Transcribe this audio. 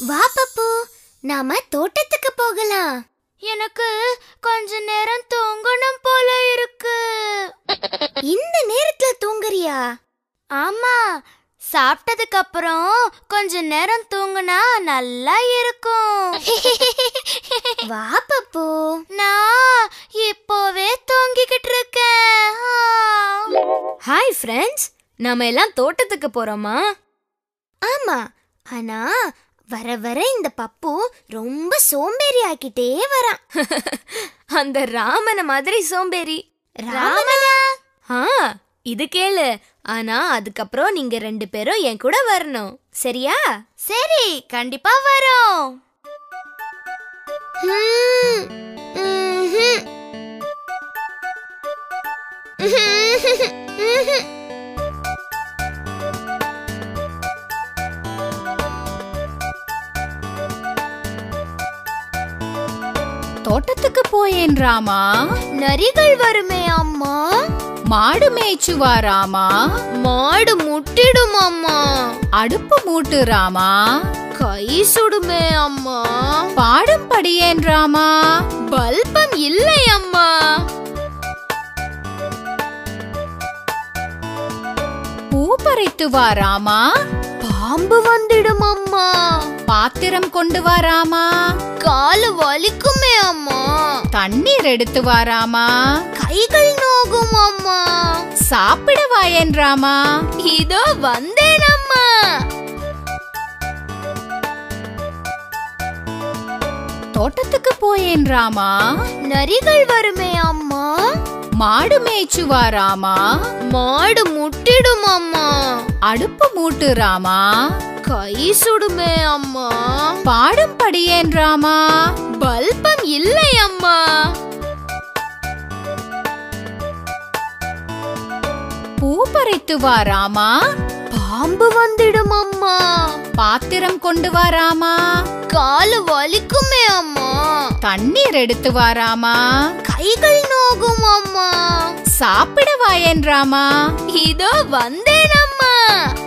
வா பப்பு, நாம தோட்டத்துக்கு போகலாம். எனக்கு கொஞ்ச நேரம் தூங்கணும் போல இருக்கு. இந்த நேரத்துல தூங்குறியா? ஆமா, சாப்பிட்டதுக்கு அப்புறம் கொஞ்ச நேரம் தூங்குனா நல்லா இருக்கும். வா பப்பு, நான் இப்போவே தூங்கிக்கிட்டு இருக்கேன். ஹாய் ஃப்ரெண்ட்ஸ், நாம எல்லாம் தோட்டத்துக்கு போறோமா? ஆமா, ஆனா வர வர இந்த பப்பு ரொம்ப சோம்பேறி ஆக்கிட்டே வரான். அந்த ராமன மாதிரி சோம்பேறி. ராமனா? இது கேளு. ஆனா அதுக்கப்புறம் நீங்க 2 பேரும் என் கூட வரணும், சரியா? சரி, கண்டிப்பா வரோம். தோட்டத்துக்கு போயேன் ராமா. நரிகள் வருமே அம்மா. மாடு மேய்ச்சுவா ராமா. மாடு முட்டிடும் அம்மா. அடுப்பு மூட்டு ராமா. கை சுடுமே அம்மா. பாடும் படியேன் ராமா. பல்பம் இல்லை அம்மா. பூ பறித்து வா ராமா. பாம்பு வந்துடும் அம்மா. பாத்திரம் கொண்டு வா ராமா. காலு வலிக்குமே அம்மா. தண்ணீர் எடுத்து வா ராமா. கைகள் நோகும் அம்மா. சாப்பிட வாயேன் ராமா. இதோ வந்தேன் அம்மா. தோட்டத்துக்கு போயேன் ராமா. நரிகள் வருமே அம்மா. மாடு மேய்ச்சுவா ராமா. மாடு முட்டிடும் அம்மா. அடுப்பு மூட்டு ராமா. கை சுடுமே அம்மா. பாடும் படியேன் ராமா. பல்பம் இல்லை அம்மா. பூ பறித்து வா ராமா. பாம்பு வந்துடும் அம்மா. பாத்திரம் கொண்டு வா ராமா. காலு வலிக்குமே அம்மா. தண்ணீர் எடுத்து வா ராமா. கைகள் நோகும் அம்மா. சாப்பிட வாயேன் ராமா. இதோ வந்தேன் அம்மா.